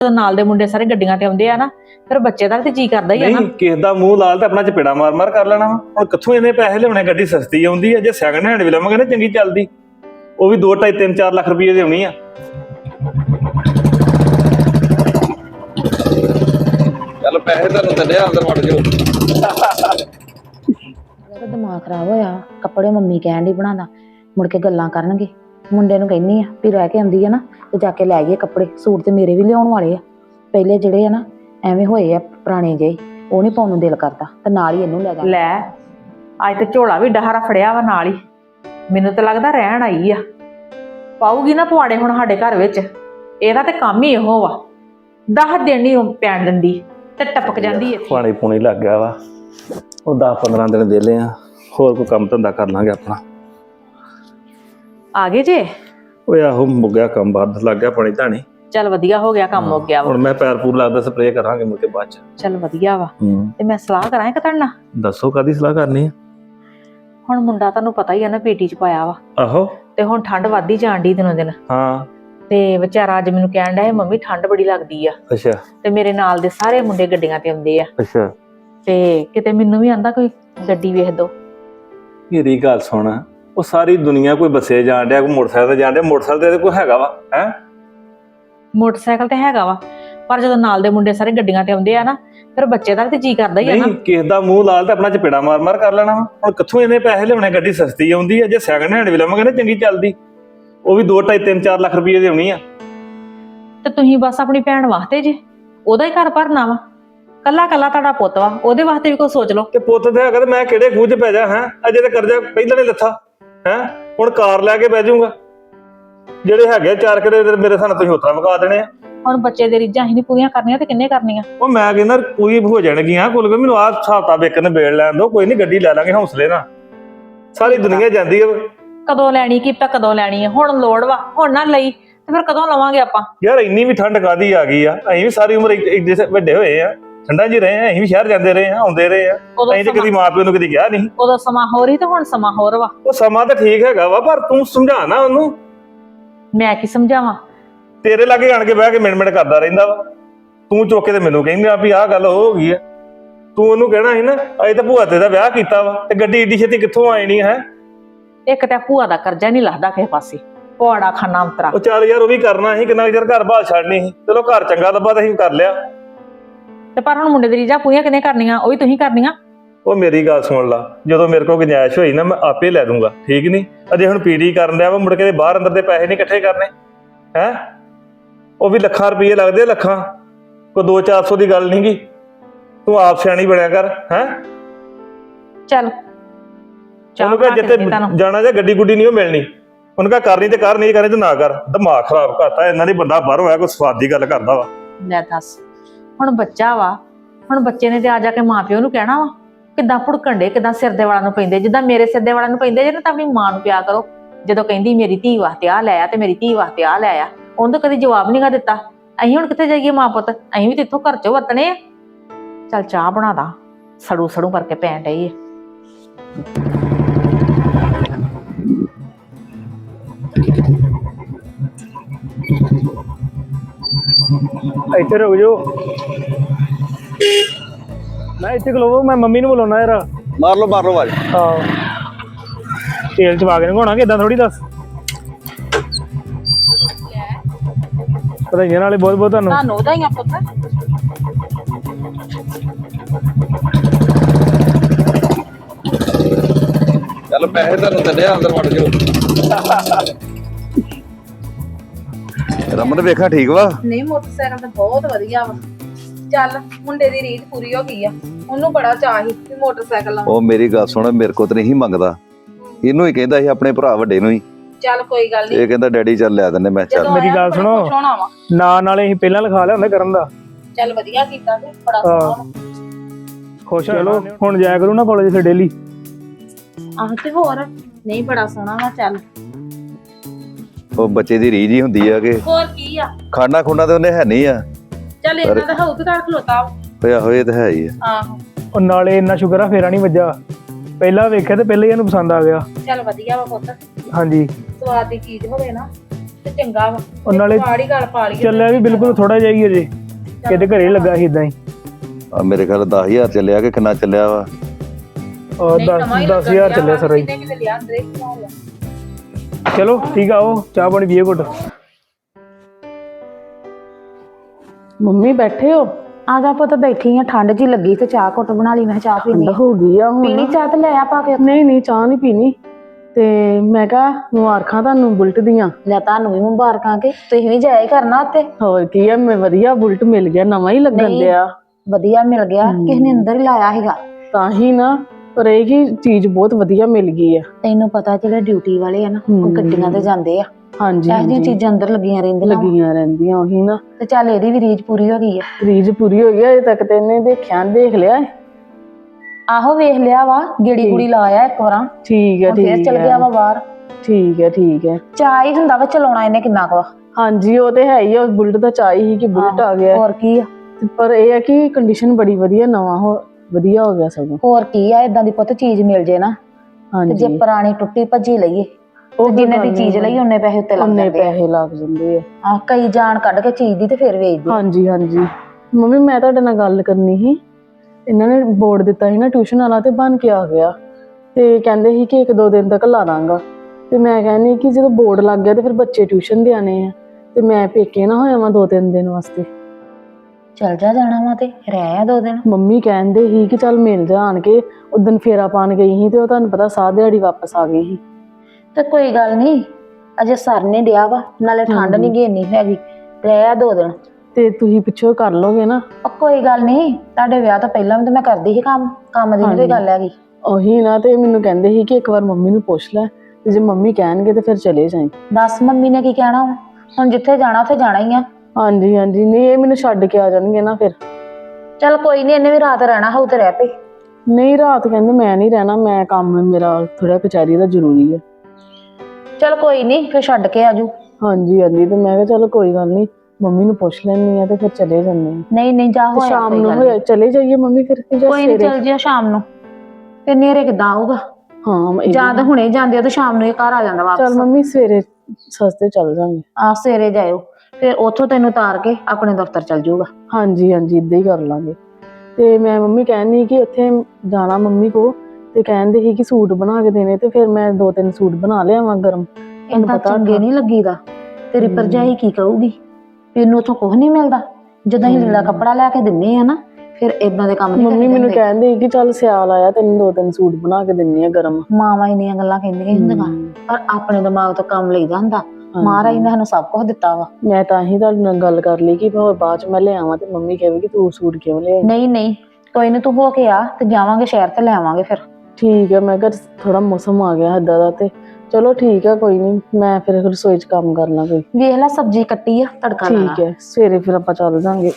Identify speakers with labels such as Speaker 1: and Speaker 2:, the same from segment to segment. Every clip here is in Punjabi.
Speaker 1: ਨਾਲ ਦੇ ਮੁੰਡੇ ਸਾਰੇ ਗੱਡੀਆਂ ਤੇ ਆਉਂਦੇ ਆ ਨਾ, ਫਿਰ ਬੱਚੇ ਦਾ ਤੇ ਜੀ ਕਰਦਾ ਹੀ ਆ ਨਾ।
Speaker 2: ਨਹੀਂ ਕਿਸ ਦਾ ਮੂੰਹ ਲਾਲ ਤੇ ਆਪਣਾ ਚਪੇੜਾ ਮਾਰ ਮਾਰ ਕਰ ਲੈਣਾ ਵਾ। ਹੁਣ ਕਿੱਥੋਂ ਇਹਨੇ ਪੈਸੇ ਲਿਆਉਣੇ? ਗੱਡੀ ਸਸਤੀ ਆਉਂਦੀ ਆ, ਜੇ ਸੈਕਿੰਡ ਹੈਂਡ ਵੀ ਲਵਾਂਗੇ ਨਾ ਚੰਗੀ ਚੱਲਦੀ, ਉਹ ਵੀ 2 2.5 3 4 ਲੱਖ ਰੁਪਏ ਦੀ ਆਉਣੀ ਆ।
Speaker 3: ਚੱਲ ਪੈਸੇ ਤੁਹਾਨੂੰ ਦਿੰਦੇ ਆ, ਅੰਦਰ ਵੜ ਜਾਓ।
Speaker 4: ਮੇਰਾ ਦਿਮਾਗ ਖਰਾਬ ਹੋਇਆ। ਕੱਪੜੇ ਮੰਮੀ ਕਹਿਣ ਦੀ ਬਣਾਦਾ, ਮੁੜ ਕੇ ਗੱਲਾਂ ਕਰਨਗੇ। ਮੁੰਡੇ ਨੂੰ ਕਹਿੰਦੀ ਆ ਵੀ ਰਹਿ ਕੇ ਆਉਂਦੀ ਆ ਨਾ ਤੇ ਜਾ ਕੇ ਲੈ ਗਏ ਕੱਪੜੇ। ਸੂਟ ਤੇ ਮੇਰੇ ਵੀ ਲਿਆਉਣ ਵਾਲੇ ਆ, ਪਹਿਲੇ ਜਿਹੜੇ ਆ ਨਾ ਐਵੇਂ ਹੋਏ ਆ ਪੁਰਾਣੇ ਜਿਹੇ, ਉਹ ਨਹੀਂ ਪਾਉਣ ਨੂੰ ਦਿਲ ਕਰਦਾ, ਤੇ ਨਾਲ ਹੀ ਇਹਨੂੰ ਲੈ ਜਾ।
Speaker 1: ਲੈ ਅੱਜ ਤੇ ਝੋਲਾ ਵੀ ਡਹਾਰਾ ਫੜਿਆ ਵਾ ਨਾਲ ਹੀ। ਮੈਨੂੰ ਤਾਂ ਲੱਗਦਾ ਰਹਿਣ ਆਈ ਆ, ਪਾਊਗੀ ਨਾ ਪਵਾੜੇ ਹੁਣ ਸਾਡੇ ਘਰ ਵਿੱਚ। ਇਹਦਾ ਤੇ ਕੰਮ ਹੀ ਇਹੋ ਵਾ, 10 ਦਿਨ ਨਹੀਂ ਪੈਣ ਦਿੰਦੀ ਤੇ ਟਪਕ ਜਾਂਦੀ ਇੱਥੇ।
Speaker 2: ਪਾਣੀ ਪੂਣੀ ਲੱਗ ਗਿਆ ਵਾ, ਉਹ 10 15 ਦਿਨ ਵਿਹਲੇ ਆ, ਹੋਰ ਕੋਈ ਕੰਮ ਧੰਦਾ ਕਰ ਲਾਂਗੇ ਆਪਣਾ।
Speaker 1: ਆ ਗਏ ਜੇ?
Speaker 2: ਓਏ ਆਹੋ ਮੁੱਕ ਗਿਆ ਕੰਮ, ਬਾਹਰ ਲੱਗ ਗਿਆ ਪਾਣੀ ਧਾਣੀ।
Speaker 1: ਚੱਲ ਵਧੀਆ ਹੋ ਗਿਆ, ਕੰਮ ਮੁੱਕ ਗਿਆ ਵਾ।
Speaker 2: ਹੁਣ ਮੈਂ ਪੈਰ ਪੂਰ ਲੱਗਦਾ ਸਪਰੇਅ ਕਰਾਂਗੇ ਮੁੜ ਕੇ ਬਾਅਦ ਚ।
Speaker 1: ਚੱਲ ਵਧੀਆ ਵਾ। ਤੇ ਮੈਂ ਸਲਾਹ ਕਰਾਂ ਇੱਕ ਤੁਹਾਡੇ ਨਾਲ।
Speaker 2: ਦੱਸੋ ਕਾਦੀ ਸਲਾਹ ਕਰਨੀ ਆ?
Speaker 1: ਹੁਣ ਮੁੰਡਾ ਤੁਹਾਨੂੰ ਪਤਾ ਹੀ ਆ ਨਾ ਪੇਟੀ ਚ ਪਾਇਆ ਵਾ,
Speaker 2: ਆਹੋ
Speaker 1: ਤੇ ਹੁਣ ਠੰਡ ਵੱਧਦੀ ਜਾਣ ਡਈ ਦਿਨੋਂ ਦਿਨ।
Speaker 2: ਹਾਂ
Speaker 1: ਤੇ ਵਿਚਾਰਾ ਅੱਜ ਮੈਨੂੰ ਕਹਿਣ ਡਿਆ ਮੰਮੀ ਠੰਡ ਬੜੀ ਲੱਗਦੀ ਆ,
Speaker 2: ਅੱਛਾ
Speaker 1: ਤੇ ਮੇਰੇ ਨਾਲ ਦੇ ਸਾਰੇ ਮੁੰਡੇ ਗੱਡੀਆਂ ਤੇ ਆਉਂਦੇ ਆ,
Speaker 2: ਅੱਛਾ।
Speaker 1: ਤੇ ਕਿਤੇ ਮੈਨੂੰ ਵੀ ਆਂਦਾ ਕੋਈ ਗੱਡੀ ਵੇਖ ਦੋ।
Speaker 2: ਮੇਰੀ ਗੱਲ ਸੁਣ, ਉਹ ਸਾਰੀ ਦੁਨੀਆ ਕੋਈ ਬੱਸੇ ਜਾਣ ਡਿਆ, ਕੋਈ ਮੋਟਰਸਾਈਕਲ ਤੇ ਜਾਣ ਡਿਆ, ਮੋਟਰਸਾਈਕਲ ਤੇ ਕੋਈ ਹੈਗਾ ਵਾ ਹੈ?
Speaker 1: ਮੋਟਰਸਾਈਕਲ ਤੇ ਹੈਗਾ ਵਾ, ਪਰ ਜਦੋਂ ਨਾਲ ਦੇ ਮੁੰਡੇ ਸਾਰੇ ਗੱਡੀਆਂ ਤੇ ਆਉਂਦੇ ਆ ਨਾ, ਫਿਰ ਬੱਚੇ ਦਾ ਵੀ ਤੇ ਜੀ ਕਰਦਾ ਹੀ ਆ ਨਾ।
Speaker 2: ਨਹੀਂ ਕਿਸ ਦਾ ਮੂੰਹ ਲਾਲ ਤੇ ਆਪਣਾ ਚਪੇੜਾ ਮਾਰ ਮਾਰ ਕਰ ਲੈਣਾ ਵਾ। ਹੁਣ ਕਿੱਥੋਂ ਇਹਨੇ ਪੈਸੇ ਲਿਆਉਣੇ? ਗੱਡੀ ਸਸਤੀ ਆਉਂਦੀ ਆ, ਜੇ ਸੈਕਿੰਡ ਹੈਂਡ ਵੀ ਲਵਾਂਗੇ ਨਾ ਚੰਗੀ ਚੱਲਦੀ, ਉਹ ਵੀ 2 2.5 3 4 ਲੱਖ ਰੁਪਏ ਦੀ ਆਉਣੀ ਆ।
Speaker 1: ਤੇ ਤੁਸੀਂ ਬਸ ਆਪਣੀ ਭੈਣ ਵਾਸਤੇ ਜੇ ਉਹਦਾ ਹੀ ਘਰ ਭਰਨਾ ਵਾ, ਕੱਲਾ ਕੱਲਾ ਤੁਹਾਡਾ ਪੁੱਤ ਵਾ, ਉਹਦੇ ਵਾਸਤੇ ਵੀ ਕੋਈ ਸੋਚ ਲਓ।
Speaker 2: ਤੇ ਪੁੱਤ ਤੇ ਹੈਗਾ ਤੇ ਮੈਂ ਕਿਹੜੇ ਖੂਹ 'ਚ ਪੈ ਜਾ ਹੈ? ਅਜੇ ਤੇ ਕਰਜ਼ਾ ਪਹਿਲਾਂ ਨਹੀਂ ਲੱਥਾ ਹੈ, ਹੁਣ ਕਾਰ ਲੈ ਕੇ ਬਹਿ ਜਾਊਗਾ। ਜਿਹੜੇ ਹੈਗੇ 4 ਕਿਲੇ ਮੇਰੇ ਸਾਨੂੰ ਤੁਸੀਂ ਉਤਰਾ ਵਿਕਾ ਦੇਣੇ ਆ।
Speaker 1: ਹੁਣ ਬੱਚੇ ਦੇ ਰੀਝਾਂ ਹੀ ਨਹੀਂ ਪੂਰੀਆਂ ਕਰਨੀਆਂ ਤੇ ਕਿੰਨੇ ਕਰਨੀਆਂ?
Speaker 2: ਉਹ ਮੈਂ ਕਹਿੰਦਾ ਪੂਰੀ ਹੋ ਜਾਣਗੀਆਂ, ਕੋਲ ਮੈਨੂੰ ਆਹ ਹਿਸਾਬਤਾ ਵੇਖਣ ਨੂੰ ਬੇੜ ਲੈਣ ਦੋ, ਕੋਈ ਨਹੀਂ ਗੱਡੀ ਲੈ ਲਾਂਗੇ ਹੌਸਲੇ ਨਾਲ। ਸਾਰੀ ਦੁਨੀਆ ਜਾਂਦੀ ਹੈ।
Speaker 1: ਕਦੋਂ ਲੈਣੀ ਕੀ ਪਤਾ ਕਦੋਂ ਲੈਣੀ ਹੈ, ਹੁਣ ਲੋੜ ਵਾ, ਹੁਣ ਨਾ ਲਈ ਤੇ ਫਿਰ ਕਦੋਂ ਲਵਾਂਗੇ ਆਪਾਂ?
Speaker 2: ਯਾਰ ਇੰਨੀ ਵੀ ਠੰਡ ਕਾਦੀ ਆ ਗਈ ਆ? ਅਸੀਂ ਵੀ ਸਾਰੀ ਉਮਰ ਇੱਡੇ ਵੱਡੇ ਹੋਏ ਆ, ਠੰਡਾਂ 'ਚ ਰਹੇ ਆ, ਅਸੀਂ ਵੀ ਸ਼ਹਿਰ ਜਾਂਦੇ ਰਹੇ ਆ, ਆਉਂਦੇ ਰਹੇ ਆ। ਅਸੀਂ ਤੇ ਕਦੀ ਮਾਂ ਪਿਓ ਨੂੰ ਕਦੀ ਕਿਹਾ ਨਹੀਂ।
Speaker 1: ਉਦੋਂ ਸਮਾਂ ਹੋਰ ਹੀ ਤੇ ਹੁਣ ਸਮਾਂ ਹੋਰ ਵਾ।
Speaker 2: ਉਹ ਸਮਾਂ ਤਾਂ ਠੀਕ ਹੈਗਾ ਵਾ, ਪਰ ਤੂੰ ਸਮਝਾ ਨਾ ਉਹਨੂੰ।
Speaker 1: ਮੈਂ ਕੀ ਸਮਝਾਵਾਂ?
Speaker 2: ਤੇਰੇ ਲਾਗੇ ਆਣ ਕੇ ਬਹਿ ਕੇ ਮਿੰਟ ਕਰਦਾ ਰਹਿੰਦਾ ਵਾ, ਤੂੰ ਚੁੱਕ ਕੇ ਤੇ ਮੈਨੂੰ ਕਹਿੰਦਾ ਵੀ ਆਹ ਗੱਲ ਹੋ ਗਈ ਆ। ਤੂੰ ਉਹਨੂੰ ਕਹਿਣਾ ਸੀ ਨਾ ਅਜੇ ਤਾਂ ਭੂਆ ਤੇ ਦਾ ਵਿਆਹ ਕੀਤਾ ਵਾ, ਤੇ ਗੱਡੀ ਏਡੀ ਛੇਤੀ ਕਿੱਥੋਂ ਆਣੀ ਹੈ?
Speaker 1: ਇੱਕ ਤਾਂ ਭੂਆ ਦਾ ਕਰਜ਼ਾ ਨਹੀਂ ਲੱਗਦਾ ਕਿਸੇ ਪਾਸੇ, ਪੌੜਾ ਖਾਨਾ ਅੰਤਰਾ।
Speaker 2: ਉਹ ਚੱਲ ਯਾਰ ਉਹ ਵੀ ਕਰਨਾ ਸੀ, ਕਿੰਨਾ ਚਿਰ ਘਰ ਬਾਹਰ ਛੱਡਣੀ ਸੀ। ਚਲੋ ਘਰ ਚੰਗਾ ਲੱਭਾ ਤਾਂ ਅਸੀਂ ਕਰ ਲਿਆ।
Speaker 1: ਤੇ ਪਰ ਹੁਣ ਮੁੰਡੇ ਦੀ ਰੀਝਾਂ ਪੂਰੀਆਂ ਕਿੰਨੇ ਕਰਨੀਆਂ? ਉਹ ਵੀ ਤੁਸੀਂ ਕਰਨੀਆਂ।
Speaker 2: ਉਹ ਮੇਰੀ ਗੱਲ ਸੁਣ ਲਾ, ਜਦੋਂ ਮੇਰੇ ਕੋਲ ਗੁੰਜਾਇਸ਼ ਹੋਈ ਨਾ ਮੈਂ ਆਪੇ ਲੈ ਦੂੰਗਾ, ਠੀਕ ਨਹੀਂ? ਅਜੇ ਹੁਣ ਪੀੜੀ ਕਰਨ ਡਿਆ ਵਾ, ਮੁੜ ਕੇ ਬਾਹਰ ਅੰਦਰ ਦੇ ਪੈਸੇ ਨਹੀਂ ਇਕੱਠੇ ਕਰਨੇ ਹੈ। ਉਹ ਵੀ ਲੱਖਾਂ ਰੁਪਏ ਲੱਗਦੇ, ਲੱਖਾਂ, ਕੋਈ 2 400 ਦੀ ਗੱਲ ਨੀ ਗੀ। ਤੂੰ ਆਪ ਸਿਆਣੀ ਬਣਿਆ ਕਰ ਹੈ।
Speaker 1: ਚੱਲ
Speaker 2: ਉਹਨੂੰ ਕਹ ਜਿੱਥੇ ਜਾਣਾ ਜਾਂ ਗੱਡੀ ਗੁੱਡੀ ਨਹੀਂ ਉਹ ਮਿਲਣੀ, ਉਹਨੂੰ ਕਹ ਕਰਨੀ ਤੇ ਕਰ, ਨਹੀਂ ਕਰਨੀ ਤੇ ਨਾ ਕਰ। ਦਿਮਾਗ ਖਰਾਬ ਕਰਤਾ ਇਹਨਾਂ ਨੇ, ਬੰਦਾ ਬਾਹਰੋਂ ਆਇਆ ਕੋਈ ਸਵਾਦ ਦੀ ਗੱਲ ਕਰਦਾ ਵਾ।
Speaker 1: ਲੈ ਦੱਸ, ਹੁਣ ਬੱਚਾ ਵਾ, ਹੁਣ ਬੱਚੇ ਨੇ ਤੇ ਆ ਜਾ ਕੇ ਮਾਂ ਪਿਓ ਨੂੰ ਕਹਿਣਾ ਵਾ ਕਿੱਦਾਂ ਭੁੜਕਣ ਡੇ, ਕਿੱਦਾਂ ਸਿਰ ਦੇ ਵਾਲਾਂ ਨੂੰ ਪੈਂਦੇ, ਜਿੱਦਾਂ ਮੇਰੇ ਸਿਰ ਦੇ ਵਾਲਾਂ ਨੂੰ ਪੈਂਦੇ ਜੇ ਨਾ, ਤਾਂ ਆਪਣੀ ਮਾਂ ਨੂੰ ਪਿਆ ਕਰੋ। ਜਦੋਂ ਕਹਿੰਦੀ ਮੇਰੀ ਧੀ ਵਾਸਤੇ ਆ ਲੈ ਆ ਤੇ ਮੇਰੀ ਧੀ ਵਾਸਤੇ ਆ ਲੈ ਆ, ਉਹਨੂੰ ਤਾਂ ਕਦੀ ਜਵਾਬ ਨੀ ਗਾ ਦਿੱਤਾ। ਅਸੀਂ ਹੁਣ ਕਿੱਥੇ ਜਾਈਏ ਮਾਂ ਪੁੱਤ? ਅਸੀਂ ਵੀ ਤੇ ਇੱਥੋਂ ਘਰ ਚੋਂ ਵਰਤਣੇ ਆ। ਚੱਲ ਚਾਹ ਬਣਾ ਦਾ, ਸੜੂ ਸੜੂ ਕਰਕੇ ਪੈਣ ਡਈ ਆ।
Speaker 5: ਇੱਥੇ ਰੁਕ ਜਾਓ, ਮੈਂ ਇੱਥੇ ਖਲੋਵੋ, ਮੈਂ ਮੰਮੀ ਨੂੰ ਬੁਲਾਉਣਾ ਯਾਰ।
Speaker 3: ਮਾਰ ਲਓ ਆਵਾਜ਼।
Speaker 5: ਹਾਂ ਤੇਲ ਚ ਪਾ ਕੇ ਨਗਾਉਣਾ ਕਿ ਇਦਾਂ ਥੋੜੀ? ਦੱਸ ਵਧਾਈਆਂ ਨਾਲੇ ਬਹੁਤ ਬਹੁਤ ਤੁਹਾਨੂੰ।
Speaker 1: ਤੁਹਾਨੂੰ ਵਧਾਈਆਂ ਪੁੱਤ।
Speaker 3: ਚੱਲ ਪੈਸੇ ਤੁਹਾਨੂੰ ਦਿੰਦੇ ਆ, ਅੰਦਰ ਵੜ ਜਾਓ। ਰਮਨ ਵੇਖਾਂ ਠੀਕ ਵਾ?
Speaker 6: ਨਹੀਂ ਮੋਟਰਸਾਈਕਲ ਤਾਂ ਬਹੁਤ ਵਧੀਆ ਵਾ। ਚੱਲ ਮੁੰਡੇ ਦੀ ਰੀਝ ਪੂਰੀ ਹੋ ਗਈ ਆ, ਉਹਨੂੰ ਬੜਾ ਚਾਅ ਸੀ ਵੀ ਮੋਟਰਸਾਈਕਲ ਲਾਉਣਾ।
Speaker 3: ਉਹ ਮੇਰੀ ਗੱਲ ਸੁਣ, ਮੇਰੇ ਕੋਲ ਤੇ ਨਹੀਂ ਮੰਗਦਾ, ਇਹਨੂੰ ਹੀ ਕਹਿੰਦਾ ਸੀ ਆਪਣੇ ਭਰਾ ਵੱਡੇ ਨੂੰ ਹੀ।
Speaker 6: ਚੱਲ ਕੋਈ ਗੱਲ ਨਹੀਂ,
Speaker 3: ਇਹ ਕਹਿੰਦਾ ਡੈਡੀ ਚੱਲ ਲਿਆ ਦਿੰਦੇ। ਮੈਂ ਚੱਲ
Speaker 5: ਮੇਰੀ ਗੱਲ ਸੁਣੋ, ਨਾਂ ਨਾਲੇ ਅਸੀਂ ਪਹਿਲਾਂ ਲਿਖਾ ਲਿਆ ਹੁੰਦਾ ਕਰਨ ਦਾ।
Speaker 6: ਚੱਲ ਵਧੀਆ ਕੀਤਾ ਤੇ ਬੜਾ ਸੋਹਣਾ।
Speaker 5: ਖੁਸ਼ ਚਲੋ ਹੁਣ ਜਾਇਆ ਕਰੂ ਨਾ ਕਾਲਜ ਤੇ ਡੇਲੀ।
Speaker 6: ਆਹ ਤੇ ਹੋਰ ਨਹੀਂ ਬੜਾ ਸੋਹਣਾ ਵਾ। ਚੱਲ
Speaker 3: ਉਹ ਬੱਚੇ ਦੀ ਰੀਝ ਹੀ ਹੁੰਦੀ ਆ ਕਿ
Speaker 6: ਹੋਰ ਕੀ ਆ,
Speaker 3: ਖਾਣਾ ਖੁਣਾ ਤੇ ਉਹਨੇ ਹੈ ਨਹੀਂ ਆ।
Speaker 6: ਚੱਲ ਇਹਨਾਂ ਦਾ ਹੋਊ ਤੇ ਘਰ ਖਲੋਤਾ ਵਾ।
Speaker 3: ਓਏ ਆਹੋ ਇਹ ਤਾਂ ਹੈ ਹੀ ਆ।
Speaker 6: ਆਹੋ
Speaker 5: ਉਹ ਨਾਲੇ ਇੰਨਾ ਸ਼ੁਕਰ ਆ ਫੇਰਾ ਨਹੀਂ ਵੱਜਾ, ਪਹਿਲਾਂ ਵੇਖਿਆ ਤੇ ਪਹਿਲਾਂ ਹੀ ਇਹਨੂੰ ਪਸੰਦ ਆ ਗਿਆ।
Speaker 6: ਚੱਲ ਵਧੀਆ ਵਾ ਪੁੱਤ,
Speaker 5: ਹਾਂਜੀ
Speaker 6: ਸਵਾਦ ਦੀ ਚੀਜ਼ ਹੋਵੇ ਨਾ ਤੇ ਚੰਗਾ ਵਾ
Speaker 5: ਉਹ ਨਾਲੇ
Speaker 6: ਪਾੜੀ ਗੱਲ ਪਾ ਲਈ
Speaker 5: ਚੱਲਿਆ ਵੀ ਬਿਲਕੁਲ ਥੋੜਾ ਜਿਹਾ ਹੀ ਅਜੇ, ਕਿਤੇ ਘਰੇ ਲੱਗਾ ਸੀ ਇਦਾਂ ਹੀ।
Speaker 3: ਆ ਮੇਰੇ ਖਿਆਲ 10,000 ਚੱਲਿਆ ਕਿ ਕਿੰਨਾ ਚੱਲਿਆ ਵਾ?
Speaker 5: ਉਹ 10,000 ਚੱਲਿਆ ਸਾਰਾ ਹੀ।
Speaker 6: ਕਿਤੇ ਲਿਆ ਅੰਦਰੇ ਕਿਉਂ ਲਿਆ?
Speaker 5: ਚਲੋ ਠੀਕ ਆ, ਉਹ ਚਾਹ ਪਾਣੀ ਪੀਏ ਘੁੱਟ।
Speaker 7: ਮੰਮੀ ਬੈਠੇ ਹੋ?
Speaker 4: ਆ ਜਾ ਪੁੱਤ, ਬੈਠੀ ਆ, ਠੰਡ ਜੀ ਲੱਗੀ ਤੇ ਚਾਹ ਘੁੱਟ ਬਣਾ ਲਈ, ਮੈਂ ਕਿਹਾ ਚਾਹ ਪੀਣੀ
Speaker 7: ਠੰਡ ਹੋ ਗਈ ਆ ਹੁਣ।
Speaker 4: ਪੀਣੀ ਚਾਹ ਤੇ ਲੈ ਆ ਪਾ ਕੇ।
Speaker 7: ਨਹੀਂ ਨਹੀਂ, ਚਾਹ ਨਹੀਂ ਪੀਣੀ। ਤੇ ਮੈਂ ਕਿਹਾ ਮੁਬਾਰਕਾਂ ਤੁਹਾਨੂੰ ਬੁਲਟ ਦੀਆਂ।
Speaker 4: ਲੈ ਤੁਹਾਨੂੰ ਵੀ ਮੁਬਾਰਕਾਂ, ਕਿ ਤੁਸੀਂ ਵੀ ਜਾਇਆ ਹੀ ਕਰਨਾ ਉੱਤੇ।
Speaker 7: ਹੋਰ ਕੀ ਆ, ਮੈਂ ਵਧੀਆ ਬੁਲਟ ਮਿਲ ਗਿਆ, ਨਵਾਂ ਹੀ ਲੱਗਣ
Speaker 4: ਨਹੀਂ।
Speaker 7: ਡਿਆ।
Speaker 4: ਵਧੀਆ ਮਿਲ ਗਿਆ, ਕਿਸੇ ਨੇ ਅੰਦਰ ਹੀ ਲਾਇਆ ਹੈਗਾ।
Speaker 7: ਤਾਂ ਹੀ ਨਾ, ਪਰ ਇਹ ਕਿ ਚੀਜ਼ ਬਹੁਤ ਵਧੀਆ ਮਿਲ ਗਈ ਆ।
Speaker 4: ਤੈਨੂੰ ਪਤਾ ਜਿਹੜੇ ਡਿਊਟੀ ਵਾਲੇ ਆ ਨਾ, ਉਹ ਗੱਡੀਆਂ ਤੇ ਜਾਂਦੇ ਆ,
Speaker 7: ਹਾਂਜੀ
Speaker 4: ਇਹੋ ਜਿਹੀਆਂ
Speaker 7: ਹਾਂਜੀ,
Speaker 4: ਚੀਜ਼ਾਂ ਅੰਦਰ ਲੱਗੀਆਂ ਰਹਿੰਦੀਆਂ ਵਾ।
Speaker 7: ਲੱਗੀਆਂ ਰਹਿੰਦੀਆਂ ਉਹੀ ਨਾ।
Speaker 4: ਤੇ ਚੱਲ ਇਹਦੀ ਵੀ ਰੀਝ ਪੂਰੀ ਹੋ ਗਈ ਆ।
Speaker 7: ਰੀਝ ਪੂਰੀ ਹੋ ਗਈ, ਅਜੇ ਤੱਕ ਤੇ ਇਹਨੇ ਦੇਖ ਲਿਆ ਹੈ।
Speaker 4: ਆਹੋ ਵੇਖ ਲਿਆ ਵਾ, ਗੇੜੀ ਗੁੜੀ ਲਾਇਆ ਇੱਕ ਵਾਰਾਂ,
Speaker 7: ਠੀਕ ਹੈ
Speaker 4: ਹੁਣ ਫੇਰ
Speaker 7: ਠੀਕ
Speaker 4: ਚਲ ਗਿਆ
Speaker 7: ਹੈ
Speaker 4: ਵਾ ਬਾਹਰ।
Speaker 7: ਠੀਕ ਹੈ ਠੀਕ ਹੈ।
Speaker 4: ਚਾਹ ਹੀ ਹੁੰਦਾ ਵਾ ਚਲਾਉਣਾ ਇਹਨੇ ਕਿੰਨਾ ਕੁ ਵਾ।
Speaker 7: ਹਾਂਜੀ ਉਹ ਤੇ ਹੈ ਹੀ ਆ, ਉਸ ਬੁਲਟ ਦਾ ਚਾਅ ਹੀ ਕਿ ਬੁਲਟ ਆ ਗਿਆ।
Speaker 4: ਹੋਰ ਕੀ ਆ,
Speaker 7: ਪਰ ਇਹ ਹੈ ਕਿ ਕੰਡੀਸ਼ਨ ਬੜੀ ਵਧੀਆ, ਨਵਾਂ ਵਧੀਆ ਹੋ ਗਿਆ ਸਗੋਂ।
Speaker 4: ਹੋਰ ਕੀ ਆ, ਇਦਾਂ ਦੀ ਪੁੱਤ ਚੀਜ਼ ਮਿਲ ਜੇ ਨਾ, ਤੇ ਜੇ
Speaker 7: ਹਾਂਜੀ,
Speaker 4: ਪੁਰਾਣੀ ਟੁੱਟੀ ਭੱਜੀ ਲਈਏ,
Speaker 7: ਉਹ
Speaker 4: ਤੇ ਜਿੰਨੇ ਦੀ ਚੀਜ਼ ਲਈ ਉਹਨੇ ਪੈਸੇ ਉੱਤੇ ਲੱਗ
Speaker 7: ਉਹਨੇ
Speaker 4: ਜਾਂਦੇ ਆ।
Speaker 7: ਪੈਸੇ ਲੱਗ ਜਾਂਦੇ ਆ।
Speaker 4: ਆਹ ਕਈ ਜਾਨ ਕੱਢ ਕੇ ਚੀਜ਼ ਦੀ ਤੇ ਫਿਰ ਵੇਚਦੇ ਆ।
Speaker 7: ਹਾਂਜੀ ਹਾਂਜੀ, ਮੰਮੀ ਮੈਂ ਤੁਹਾਡੇ ਨਾਲ ਗੱਲ ਕਰਨੀ ਸੀ। ਇਹਨਾਂ ਨੇ ਬੋਰਡ ਦਿੱਤਾ ਸੀ ਨਾ ਟਿਊਸ਼ਨ ਵਾਲਾ, ਤੇ ਬਣ ਕੇ ਆ ਗਿਆ, ਤੇ ਕਹਿੰਦੇ ਸੀ ਕਿ 1-2 ਦਿਨ ਤੱਕ ਲਾ ਦਾਂਗਾ। ਤੇ ਮੈਂ ਕਹਿੰਦੀ ਕਿ ਜਦੋਂ ਬੋਰਡ ਲੱਗ ਗਿਆ ਤੇ ਫਿਰ ਬੱਚੇ ਟਿਊਸ਼ਨ ਦੇ ਆਣੇ ਆ, ਤੇ ਮੈਂ ਪੇਕੇ ਨਾ ਹੋਇਆ ਵਾਂ 2-3 ਦਿਨ ਵਾਸਤੇ।
Speaker 4: ਚੱਲ ਜਾ, ਜਾਣਾ ਵਾ ਤੇ ਰਹਿ ਆ 2 ਦਿਨ।
Speaker 7: ਮੰਮੀ ਕਹਿੰਦੇ ਸੀ ਕਿ ਚੱਲ ਮਿਲ ਜਾ ਆਣ ਕੇ। ਉਦਣ ਫੇਰਾ ਪਾਣ ਗਈ ਸੀ ਤੇ ਉਹ ਤੁਹਾਨੂੰ ਪਤਾ ਸਾਹ ਦਿਹਾੜੀ ਵਾਪਸ ਆ ਗਈ ਸੀ।
Speaker 4: ਤੇ ਕੋਈ ਗੱਲ ਨਹੀਂ, ਅਜੇ ਸਰ ਨਹੀਂ ਡਿਆ ਵਾ, ਨਾਲੇ ਠੰਡ ਨਹੀਂ ਗੇਨੀ ਹੈਗੀ, ਰਹਿ ਆ 2 ਦਿਨ।
Speaker 7: ਤੇ ਤੁਸੀਂ ਪਿੱਛੋਂ ਕਰ ਲੋਗੇ ਨਾ?
Speaker 4: ਉਹ ਕੋਈ ਗੱਲ ਨਹੀਂ, ਤੁਹਾਡੇ ਵਿਆਹ ਤੋਂ ਪਹਿਲਾਂ ਵੀ ਤਾਂ ਮੈਂ ਕਰਦੀ ਸੀ ਕੰਮ ਦੀ ਨੀ ਕੋਈ ਗੱਲ ਹੈਗੀ।
Speaker 7: ਉਹੀ ਨਾ, ਤੇ ਮੈਨੂੰ ਕਹਿੰਦੇ ਸੀ ਕਿ ਇੱਕ ਵਾਰ ਮੰਮੀ ਨੂੰ ਪੁੱਛ ਲੈ, ਤੇ ਜੇ ਮੰਮੀ ਕਹਿਣਗੇ ਤੇ ਫਿਰ ਚਲੇ ਜਾਈਂ।
Speaker 4: ਦੱਸ ਮੰਮੀ ਨੇ ਕੀ ਕਹਿਣਾ ਵਾ? ਹੁਣ ਜਿੱਥੇ ਜਾਣਾ ਉੱਥੇ ਜਾਣਾ ਹੀ ਆ।
Speaker 7: ਹਾਂਜੀ ਹਾਂਜੀ, ਨਹੀਂ ਇਹ ਮੈਨੂੰ ਛੱਡ ਕੇ ਆ ਜਾਣਗੇ ਨਾ ਫਿਰ।
Speaker 4: ਚੱਲ ਕੋਈ ਨਹੀਂ, ਇਹਨੇ ਵੀ ਰਾਤ ਰਹਿਣਾ ਹੋਊ ਤੇ ਰਹਿ ਪਈ।
Speaker 7: ਨਹੀਂ ਰਾਤ ਕਹਿੰਦੇ ਮੈਂ ਨਹੀਂ ਰਹਿਣਾ, ਮੈਂ ਕੰਮ ਮੇਰਾ ਥੋੜਾ ਕਚਹਿਰੀ ਦਾ ਜ਼ਰੂਰੀ ਹੈ।
Speaker 4: ਚੱਲ ਕੋਈ ਨਹੀਂ, ਫਿਰ ਛੱਡ ਕੇ ਆਜੂ।
Speaker 7: ਹਾਂਜੀ ਹਾਂਜੀ, ਤੇ ਮੈਂ ਕਿਹਾ ਚਲੋ ਕੋਈ ਗੱਲ ਨਹੀਂ, ਮੰਮੀ ਨੂੰ ਪੁੱਛ ਲੈਣੀ ਆ ਤੇ ਫਿਰ ਚਲੇ ਜਾਂਦੇ ਆ।
Speaker 4: ਨਹੀਂ ਨਹੀਂ, ਜਾ
Speaker 7: ਤੇ
Speaker 4: ਹੋਇਆ
Speaker 7: ਸ਼ਾਮ
Speaker 4: ਕੋਈ
Speaker 7: ਨੂੰ
Speaker 4: ਗੱਲ
Speaker 7: ਹੋਇਆ ਚਲੇ ਜਾਈਏ ਮੰਮੀ ਫਿਰ, ਜਾਂ
Speaker 4: ਕੋਈ ਨਹੀਂ,
Speaker 7: ਸਵੇਰੇ?
Speaker 4: ਚੱਲ ਜਿਓ ਸ਼ਾਮ ਨੂੰ। ਫਿਰ ਨੇਰੇ ਕਿੱਦਾਂ ਆਊਗਾ?
Speaker 7: ਹਾਂ
Speaker 4: ਜਾਂ ਤਾਂ ਹੁਣੇ ਜਾਂਦੇ ਆ ਤੇ ਸ਼ਾਮ ਨੂੰ ਇਹ ਘਰ ਆ ਜਾਂਦਾ
Speaker 7: ਚੱਲ
Speaker 4: ਵਾਪਸ।
Speaker 7: ਮੰਮੀ ਸਵੇਰੇ ਸਸਤੇ ਚੱਲ ਜਾਵਾਂਗੇ।
Speaker 4: ਆ ਸਵੇਰੇ ਜਾਇਓ, ਫਿਰ ਉੱਥੋਂ ਤੈਨੂੰ ਉਤਾਰ ਕੇ ਆਪਣੇ ਦਫ਼ਤਰ ਚੱਲ ਜਾਊਗਾ।
Speaker 7: ਹਾਂਜੀ ਹਾਂਜੀ, ਇਦਾਂ ਹੀ ਕਰ ਲਾਂਗੇ। ਤੇ ਮੈਂ ਮੰਮੀ ਕਹਿੰਦੀ ਕਿ ਉੱਥੇ ਜਾਣਾ ਮੰਮੀ ਕੋ, ਤੇ ਕਹਿੰਦੇ ਸੀ ਕਿ ਸੂਟ ਬਣਾ ਕੇ ਦੇਣੇ, ਤੇ ਫਿਰ ਮੈਂ 2-3 ਸੂਟ ਬਣਾ ਲਿਆਵਾਂ ਗਰਮ।
Speaker 4: ਇੰਨਾ ਚੰਗੇ ਨਹੀਂ ਲੱਗੀਦਾ। ਤੇਰੀ ਭਰਜਾਈ ਕੀ ਕਹੂਗੀ? ਇਹਨੂੰ ਉੱਥੋਂ ਕੁਝ ਨਹੀਂ ਮਿਲਦਾ। ਜਦੋਂ ਅਸੀਂ ਲੀੜਾ ਕੱਪੜਾ ਲੈ ਕੇ ਦਿੰਨੇ ਆ ਨਾ, ਫਿਰ ਇਦਾਂ ਦੇ ਕੰਮ ਨਹੀਂ
Speaker 7: ਮੰਮੀ ਮੈਨੂੰ ਕਹਿੰਦੇ ਕਿ ਚੱਲ ਸਿਆਲ ਆਇਆ, ਤੈਨੂੰ 2-3 ਸੂਟ ਬਣਾ ਕੇ ਦਿੰਨੀ ਆ ਗਰਮ।
Speaker 4: ਮਾਵਾਂ ਇੰਨੀਆਂ ਗੱਲਾਂ ਕਹਿੰਦੀਆਂ ਹੁੰਦੀਆਂ, ਪਰ ਆਪਣੇ ਦਿਮਾਗ ਤੋਂ ਕੰਮ ਲਈਦਾ ਹੁੰਦਾ। ਮਹਾਰਾਜ ਨੇ ਸਾਨੂੰ ਸਭ ਕੁਝ ਦਿੱਤਾ ਵਾ।
Speaker 7: ਮੈਂ ਤਾਂ ਹੀ ਤੁਹਾਡੇ ਨਾਲ ਗੱਲ ਕਰ ਲਈ ਕਿ ਹੋਰ ਬਾਅਦ ਚ ਮੈਂ ਲੈ ਆਵਾਂ, ਤੇ ਮੰਮੀ ਕਹੇਗੀ ਤੂੰ ਸੂਟ ਕਿਉਂ ਲਿਆਈ?
Speaker 4: ਨਹੀਂ ਨਹੀਂ, ਕੋਈ ਨੀ, ਤੂੰ ਹੋ ਕੇ ਆ ਤੇ ਜਾਵਾਂਗੇ ਸ਼ਹਿਰ ਤੇ ਲੈ ਆਵਾਂਗੇ ਫਿਰ।
Speaker 7: ਠੀਕ ਹੈ, ਮੈਂ ਕਿਹਾ ਥੋੜਾ ਮੌਸਮ ਆ ਗਿਆ ਏਦਾਂ ਦਾ, ਤੇ ਚਲੋ ਠੀਕ ਹੈ, ਕੋਈ ਨਹੀਂ, ਮੈਂ ਫਿਰ ਰਸੋਈ ਚ ਕੰਮ ਕਰ ਲਾਂ ਕੋਈ।
Speaker 4: ਵੇਖ ਲੈ ਸਬਜ਼ੀ ਕੱਟੀ ਆ, ਤੜਕਾ ਲਾ ਲਾ।
Speaker 7: ਠੀਕ ਹੈ, ਸਵੇਰੇ ਫਿਰ ਆਪਾਂ ਚੱਲ ਜਾਾਂਗੇ।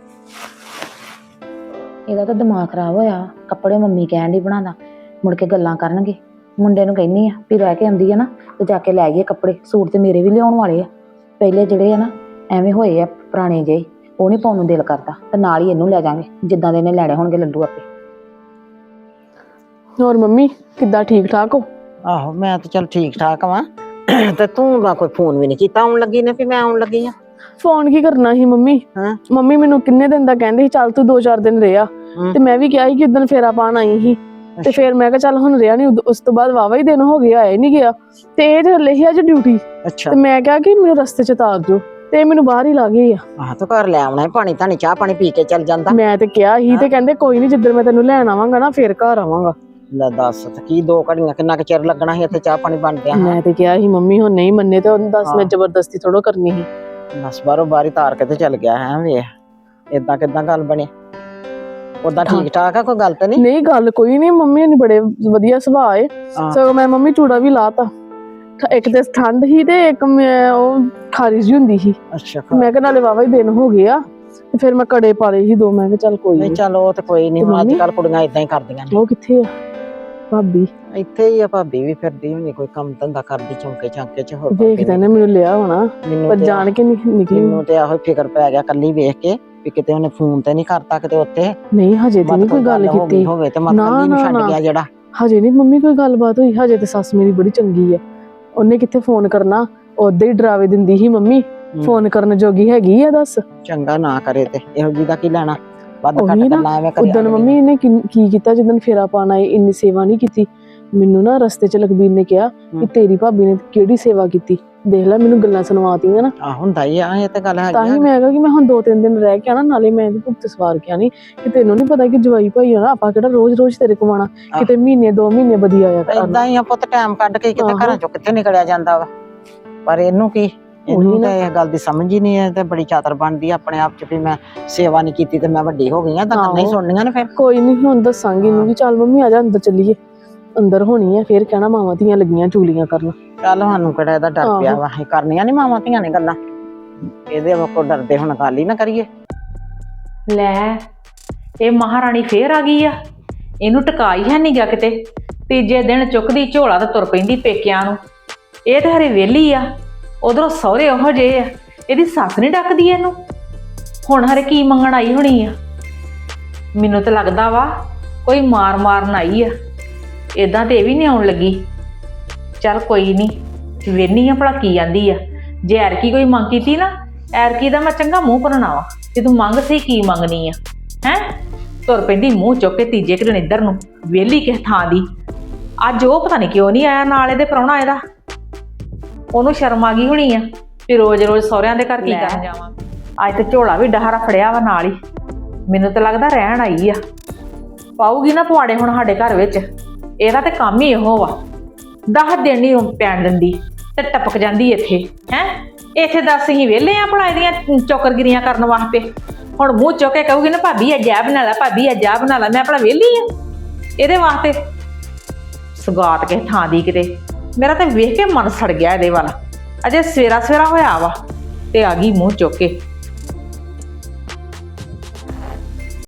Speaker 4: ਇਹਦਾ ਤਾਂ ਦਿਮਾਗ ਖਰਾਬ ਹੋਇਆ। ਕੱਪੜੇ ਮੰਮੀ ਕਹਿਣ ਦੀ ਬਣਾਦਾ, ਮੁੜ ਕੇ ਗੱਲਾਂ ਕਰਨਗੇ। ਮੁੰਡੇ ਨੂੰ ਕਹਿੰਦੀ ਆ ਵੀ ਰਹਿ ਕੇ ਆਉਂਦੀ ਆ ਨਾ, ਤੇ ਜਾ ਕੇ ਲੈ ਗਏ ਕੱਪੜੇ। ਸੂਟ ਤੇ ਮੇਰੇ ਵੀ ਲਿਆਉਣ ਵਾਲੇ ਆ, ਪਹਿਲੇ ਜਿਹੜੇ ਆ ਨਾ ਐਵੇਂ ਹੋਏ ਆ ਪੁਰਾਣੇ ਜਿਹੇ, ਉਹ ਨਹੀਂ ਪਾਉਣ ਨੂੰ ਦਿਲ ਕਰਦਾ। ਤੇ ਨਾਲ ਹੀ ਇਹਨੂੰ ਲੈ ਜਾਾਂਗੇ, ਜਿੱਦਾਂ ਦੇ ਇਹਨੇ ਲੈਣੇ ਹੋਣਗੇ ਲੱਡੂ ਆਪੇ।
Speaker 7: ਹੋਰ ਮੰਮੀ ਕਿੱਦਾਂ, ਠੀਕ ਠਾਕ ਹੋ?
Speaker 8: ਆਹੋ ਮੈਂ ਤਾਂ ਚੱਲ ਠੀਕ ਠਾਕ ਵਾਂ। ਤੇ ਤੂੰ ਨਾ ਕੋਈ ਫੋਨ ਵੀ ਨਹੀਂ ਕੀਤਾ ਆਉਣ ਲੱਗੀ ਨੇ, ਵੀ ਮੈਂ ਆਉਣ ਲੱਗੀ ਆ।
Speaker 7: ਫੋਨ ਕੀ ਕਰਨਾ ਸੀ ਮੰਮੀ?
Speaker 8: ਹਾਂ।
Speaker 7: ਮੰਮੀ ਮੈਨੂੰ ਕਿੰਨੇ ਦਿਨ ਦਾ ਕਹਿੰਦੇ ਸੀ ਚੱਲ ਤੂੰ 2-4 ਦਿਨ ਰਿਹਾ, ਤੇ ਮੈਂ ਵੀ ਕਿਹਾ ਸੀ ਕਿ ਉਦੋਂ ਫੇਰਾ ਪਾਣ ਆਈ ਸੀ, ਤੇ ਫਿਰ ਮੈਂ ਕਿਹਾ ਚੱਲ ਹੁਣ ਰਿਹਾ ਨਹੀਂ। ਉਸ ਤੋਂ ਬਾਅਦ ਵਾਵਾ ਹੀ ਦਿਨ ਹੋ ਗਿਆ, ਆਇਆ ਨਹੀਂ ਗਿਆ, ਤੇ ਇਹ ਚੱਲੇ ਸੀ ਅੱਜ ਡਿਊਟੀ।
Speaker 8: ਅੱਛਾ,
Speaker 7: ਤੇ ਮੈਂ ਕਿਹਾ ਕਿ ਮੈਨੂੰ ਰਸਤੇ ਚ ਉਤਾਰ ਦਿਓ, ਤੇ ਮੈਨੂੰ ਬਾਹਰ ਹੀ ਲਾ ਗਏ ਆ।
Speaker 8: ਆਹ ਤੂੰ ਘਰ ਲੈ ਆਉਣਾ, ਪਾਣੀ ਧਾਣੀ ਚਾਹ ਪਾਣੀ ਪੀ ਕੇ ਚੱਲ ਜਾਂਦਾ।
Speaker 7: ਮੈਂ ਤੇ ਕਿਹਾ ਸੀ, ਤੇ ਕਹਿੰਦੇ ਕੋਈ ਨਹੀਂ, ਜਿੱਦਣ ਮੈਂ ਤੈਨੂੰ ਲੈਣ ਆਵਾਂਗਾ ਨਾ ਫਿਰ ਘਰ ਆਵਾਂਗਾ।
Speaker 8: ਲੈ ਦੱਸ, ਤੇ ਕੀ 2 ਘੜੀਆਂ ਕਿੰਨਾ ਕੁ ਚਿਰ ਲੱਗਣਾ ਸੀ ਇੱਥੇ ਚਾਹ ਪਾਣੀ ਬਣਦਿਆਂ?
Speaker 7: ਮੈਂ ਤੇ ਕਿਹਾ ਸੀ ਮੰਮੀ ਹੁਣ ਨਹੀਂ ਮੰਨੇ, ਤੇ ਉਹਨੂੰ ਦੱਸ ਮੈਂ ਜ਼ਬਰਦਸਤੀ ਥੋੜੋ ਕਰਨੀ ਸੀ।
Speaker 8: ਬਸ ਬਾਹਰੋਂ ਬਾਰੀ ਤਾਰ ਕੇ ਤੇ ਚੱਲ ਗਿਆ ਹੈ। ਵੇਖ ਏਦਾਂ ਕਿੱਦਾਂ ਗੱਲ ਬਣੀ? ਉਦਾਂ ਠੀਕ ਠਾਕ ਆ, ਕੋਈ ਗੱਲ ਤੇ ਨਹੀਂ?
Speaker 7: ਨਹੀਂ ਗੱਲ ਕੋਈ ਨਹੀਂ, ਮੰਮੀ ਨੇ ਬੜੇ ਵਧੀਆ ਸੁਭਾਅ ਏ। ਸਗੋਂ ਮੈਂ ਮੰਮੀ ਚੂੜਾ ਵੀ ਲਾਤਾ। ਇੱਕ ਤੇ ਠੰਡ ਸੀ, ਤੇ ਇੱਕ ਉਹ ਖਾਰਿਸ਼ ਜਿਹੀ ਹੁੰਦੀ ਸੀ।
Speaker 8: ਅੱਛਾ,
Speaker 7: ਮੈਂ ਕਿਹਾ ਨਾਲੇ ਵਾਵਾ ਹੀ ਦਿਨ ਹੋ ਗਏ ਆ, ਤੇ ਫਿਰ ਮੈਂ ਕੜੇ ਪਾ ਲਏ ਸੀ 2। ਮੈਂ ਕਿਹਾ ਚੱਲ ਕੋਈ
Speaker 8: ਨਹੀਂ
Speaker 7: ਨਹੀਂ।
Speaker 8: ਚੱਲ ਉਹ ਤੇ ਕੋਈ ਨਹੀਂ, ਅੱਜ ਕੱਲ ਕੁੜੀਆਂ ਏਦਾਂ ਹੀ ਕਰਦੀਆਂ ਨੇ।
Speaker 7: ਉਹ ਕਿੱਥੇ ਆ ਭਾਬੀ?
Speaker 8: ਇੱਥੇ ਹੀ ਆ, ਭਾਬੀ ਵੀ ਫਿਰਦੀ ਹੋਣੀ, ਕੋਈ ਕੰਮ ਧੰਦਾ ਕਰਦੀ ਚੌਂਕੇ ਚਾਂਕੇ ਚ। ਹੋਰ
Speaker 7: ਵੇਖਦਾ ਨੇ ਮੈਨੂੰ ਲਿਆ ਹੋਣਾ, ਪਰ ਜਾਣ ਕੇ ਨਿਕਲੀ।
Speaker 8: ਮੈਨੂੰ ਤੇ ਆਹੋ ਫਿਕਰ ਪੈ ਗਿਆ ਕੱਲੀ ਵੇਖ ਕੇ, ਵੀ ਕਿਤੇ ਉਹਨੇ ਫੋਨ ਤੇ ਨਹੀਂ ਕਰਤਾ, ਕਿਤੇ ਉੱਤੇ
Speaker 7: ਨਹੀਂ ਹਜੇ ਤੇ ਨਹੀਂ ਕੋਈ ਗੱਲ ਕੀਤੀ
Speaker 8: ਹੋਵੇ ਤੇ ਮਤ ਕੱਲੀ ਨੂੰ ਛੱਡ ਗਿਆ ਜਿਹੜਾ।
Speaker 7: ਹਜੇ ਨਹੀਂ ਮੰਮੀ ਕੋਈ ਗੱਲਬਾਤ ਹੋਈ, ਹਜੇ ਤੇ ਸੱਸ ਮੇਰੀ ਬੜੀ ਚੰਗੀ ਆ। ਉਹਨੇ ਕਿੱਥੇ ਫੋਨ ਕਰਨਾ, ਉਦਾਂ ਹੀ ਡਰਾਵੇ ਦਿੰਦੀ ਸੀ ਮੰਮੀ। ਫੋਨ ਕਰਨ ਜੋਗੀ ਹੈਗੀ ਆ ਦੱਸ।
Speaker 8: ਚੰਗਾ ਨਾ ਕਰੇ ਤੇ ਇਹੋ ਜੀ ਦਾ ਕੀ ਲੈਣਾ, ਵੱਧ
Speaker 7: ਉਹੀ
Speaker 8: ਘੱਟ
Speaker 7: ਨਾ,
Speaker 8: ਗੱਲਾਂ ਐਵੇਂ ਕਰੀ
Speaker 7: ਉਦੋਂ ਮੰਮੀ ਇਹਨੇ ਕੀ ਕੀਤਾ ਜਦੋਂ ਫੇਰਾ ਪਾਣ ਆਏ, ਇੰਨੀ ਸੇਵਾ ਨਹੀਂ ਕੀਤੀ। ਮੈਨੂੰ ਨਾ ਰਸਤੇ 'ਚ ਲਖਬੀਰ ਨੇ ਕਿਹਾ ਕਿ ਤੇਰੀ ਭਾਬੀ ਨੇ ਕਿਹੜੀ ਸੇਵਾ ਕੀਤੀ, ਦੇਖ ਲੈ ਮੈਨੂੰ ਗੱਲਾਂ ਸੁਣਵਾਤੀਆਂ ਨਾ।
Speaker 8: ਆ ਹੁੰਦਾ ਹੀ ਆ, ਇਹ ਤੇ ਗੱਲ
Speaker 7: ਤਾਂ
Speaker 8: ਹੈਗੀ
Speaker 7: ਹੀ
Speaker 8: ਆ।
Speaker 7: ਮੈਂ ਕਿਹਾ ਕਿ ਮੈਂ ਹੁਣ 2-3 ਦਿਨ ਰਹਿ ਕੇ ਆਣਾ, ਨਾਲੇ ਮੈਂ ਇਹਦੇ ਭੁਗਤ ਸਵਾਰ ਕੇ ਆਣੀ ਕਿ ਤੈਨੂੰ ਨਹੀਂ ਪਤਾ ਕਿ ਜਵਾਈ ਭਾਈ ਆ ਨਾ, ਆਪਾਂ ਕਿਹੜਾ ਰੋਜ਼-ਰੋਜ਼ ਤੇਰੇ ਕੋਲ ਆਉਣਾ, ਕਿਤੇ ਮਹੀਨੇ 2 ਮਹੀਨੇ ਵਧੀਆ ਆਇਆ
Speaker 8: ਏਦਾਂ
Speaker 7: ਕਰਨਾ।
Speaker 8: ਹੀ ਆ ਪੁੱਤ, ਟਾਈਮ ਕੱਢ ਕੇ ਕਿਤੇ
Speaker 7: ਆਹੋ।
Speaker 8: ਘਰਾਂ ਚੋਂ ਕਿੱਥੇ ਨਿਕਲਿਆ ਜਾਂਦਾ ਵਾ। ਪਰ ਇਹਨੂੰ ਕੀ, ਇਹਨੂੰ ਤਾਂ ਇਹ ਗੱਲ ਦੀ ਸਮਝ ਹੀ ਨਹੀਂ ਹੈ ਤੇ ਬੜੀ ਚਾਤਰ ਬਣਦੀ ਆ ਆਪਣੇ ਆਪ 'ਚ ਵੀ ਮੈਂ ਸੇਵਾ ਨਹੀਂ ਕੀਤੀ ਤੇ ਮੈਂ ਵੱਡੀ ਹੋ ਗਈ ਆ, ਤਾਂ ਕੰਨਾਂ ਹੀ ਸੁਣਨੀਆਂ ਨੇ ਫਿਰ।
Speaker 7: ਕੋਈ ਨਹੀਂ, ਹੁਣ ਦੱਸਾਂਗੀ ਇਹਨੂੰ ਕਿ ਚੱਲ ਮੰਮੀ ਆ ਜਾ ਅੰਦਰ ਚੱਲੀਏ। ਅੰਦਰ ਹੋਣੀ ਆ ਫੇਰ ਕਹਿਣਾ ਮਾਵਾਂ ਧੀਆਂ ਲੱਗੀਆਂ ਚੂਲੀਆਂ ਕਰਨ।
Speaker 8: ਚੱਲ ਸਾਨੂੰ ਕਿਹੜਾ ਇਹਦਾ ਡਰ ਪਿਆ ਵਾ, ਇਹ ਕਰਨੀਆਂ ਨੀ ਮਾਵਾਂ ਧੀਆਂ ਨੇ ਗੱਲਾਂ, ਇਹਦੇ ਕੋ ਡਰਦੇ ਹੁਣ ਗੱਲ ਹੀ ਨਾ ਕਰੀਏ।
Speaker 1: ਲੈ ਇਹ ਮਹਾਰਾਣੀ ਫੇਰ ਆ ਗਈ ਆ, ਇਹਨੂੰ ਟਿਕਾਈ ਹੈ ਨਹੀਂ ਗਾ ਕਿਤੇ। ਤੀਜੇ ਦਿਨ ਚੁੱਕਦੀ ਝੋਲਾ ਤੇ ਤੁਰ ਪੈਂਦੀ ਪੇਕਿਆਂ ਨੂੰ। ਇਹ ਤੇ ਹਰੇ ਵਿਹਲੀ ਆ, ਉਧਰੋਂ ਸਹੁਰੇ ਉਹੋ ਜਿਹੇ ਆ, ਇਹਦੀ ਸੱਸ ਨਹੀਂ ਡੱਕਦੀ ਇਹਨੂੰ। ਹੁਣ ਹਰੇ ਕੀ ਮੰਗਣ ਆਈ ਹੋਣੀ ਆ। ਮੈਨੂੰ ਤਾਂ ਲੱਗਦਾ ਵਾ ਕੋਈ ਮਾਰਨ ਆਈ ਆ, ਏਦਾਂ ਤੇ ਇਹ ਵੀ ਨਹੀਂ ਆਉਣ ਲੱਗੀ। ਚੱਲ ਕੋਈ ਨਹੀਂ, ਵੇਹਨੀ ਆ ਭਲਾ ਕੀ ਆਂਦੀ ਆ। ਜੇ ਐਰਕੀ ਕੋਈ ਮੰਗ ਕੀਤੀ ਨਾ, ਐਰਕੀ ਦਾ ਮੈਂ ਚੰਗਾ ਮੂੰਹ ਭਰਨਾ ਵਾ ਕਿ ਤੂੰ ਮੰਗ ਸਹੀ ਕੀ ਮੰਗਣੀ ਆ। ਹੈ ਤੁਰ ਪੈਂਦੀ ਮੂੰਹ ਚੁੱਕ ਕੇ ਤੀਜੇ ਕੁ ਦਿਨ ਇੱਧਰ ਨੂੰ, ਵਿਹਲੀ ਕਿਸ ਥਾਂ ਦੀ। ਅੱਜ ਉਹ ਪਤਾ ਨਹੀਂ ਕਿਉਂ ਨਹੀਂ ਆਇਆ ਨਾਲ ਇਹਦੇ ਪ੍ਰਾਹੁਣਾ ਇਹਦਾ। ਉਹਨੂੰ ਸ਼ਰਮ ਆ ਗਈ ਹੋਣੀ ਆ ਵੀ ਰੋਜ਼-ਰੋਜ਼ ਸਹੁਰਿਆਂ ਦੇ ਘਰ ਕੀ ਕਰਨ ਜਾਵਾਂ। ਅੱਜ ਤੇ ਝੋਲਾ ਵੀ ਡਹਾਰਾ ਫੜਿਆ ਵਾ ਨਾਲ ਹੀ। ਮੈਨੂੰ ਤਾਂ ਲੱਗਦਾ ਰਹਿਣ ਆਈ ਆ। ਪਾਊਗੀ ਨਾ ਪੁਆੜੇ ਹੁਣ ਸਾਡੇ ਘਰ ਵਿੱਚ। ਇਹਦਾ ਤੇ ਕੰਮ ਹੀ ਇਹੋ ਵਾ, 10 ਦਿਨ ਨਹੀਂ ਪੈਣ ਦਿੰਦੀ ਤੇ ਟਪਕ ਜਾਂਦੀ ਇੱਥੇ। ਹੈ ਇੱਥੇ ਦੱਸ ਅਸੀਂ ਵਿਹਲੇ ਆ ਭਲਾ ਇਹਦੀਆਂ ਚੌਕਰਗਿਰੀਆਂ ਕਰਨ ਵਾਸਤੇ। ਹੁਣ ਮੂੰਹ ਚੁੱਕ ਕੇ ਕਹੂਗੀ ਨਾ ਭਾਬੀ ਅੱਜ ਆਹ ਬਣਾ ਲੈ, ਭਾਬੀ ਅੱਜ ਆਹ ਬਣਾ ਲੈ, ਮੈਂ ਆਪਣਾ ਵਿਹਲੀ ਆ ਇਹਦੇ ਵਾਸਤੇ। ਸੁਗਾਤ ਕਿਸੇ ਥਾਂ ਦੀ ਕਿਤੇ। ਮੇਰਾ ਤਾਂ ਵੇਖ ਕੇ ਮਨ ਸੜ ਗਿਆ ਇਹਦੇ ਵੱਲ। ਅਜੇ ਸਵੇਰਾ ਹੋਇਆ ਵਾ ਤੇ ਆ ਗਈ ਮੂੰਹ ਚੁੱਕ ਕੇ।